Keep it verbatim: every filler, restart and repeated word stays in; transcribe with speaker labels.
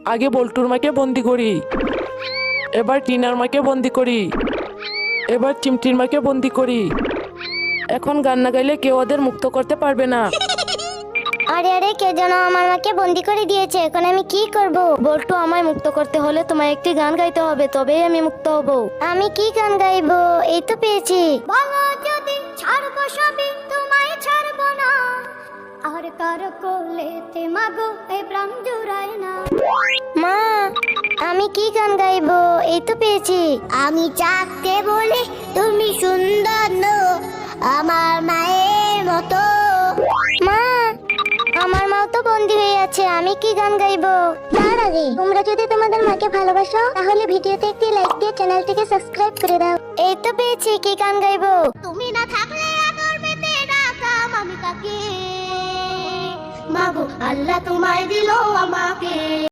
Speaker 1: আগে বল্টুর মাকে বন্দি করি, এবার টিনার মাকে বন্দি করি, এবার চিমটির মাকে বন্দি করি। এখন গান না গাইলে কেউ ওদের মুক্ত করতে পারবে না।
Speaker 2: আরে আরে, কে যেন আমার মাকে বন্দি করে দিয়েছে, এখন আমি কি করব?
Speaker 3: বল্টু, আমায় মুক্ত করতে হলে তোমায় একটি গান গাইতে হবে, তবেই আমি মুক্ত হব।
Speaker 2: আমি কি গান গাইবো? এই তো পেয়েছি। বলো যদি ছাড়বো সবই, তোমায় ছাড়বো না, আর কার কোলেতে মাগো এই প্রাণ জুড়ায় না। মা, আমি কি গান গাইবো? এই তো পেয়েছি। আমি চাকতে বলি তুমি সুন্দর নো, আমার মায়ের মতো। মা, আমার মাও তো বন্দি হয়ে আছে, আমি কি গান গাইবো? তার আগে তোমরা যদি তোমাদের মাকে ভালোবাসো তাহলে ভিডিওতে একটি লাইক দিয়ে চ্যানেলটিকে সাবস্ক্রাইব করে দাও। এই তো পেয়েছি, কি গান গাইবো? তুমি না থাকলে আদর পেতে রাখতাম আমি কাকে, মাগো আল্লাহ তোমায় দিলো আমাকে।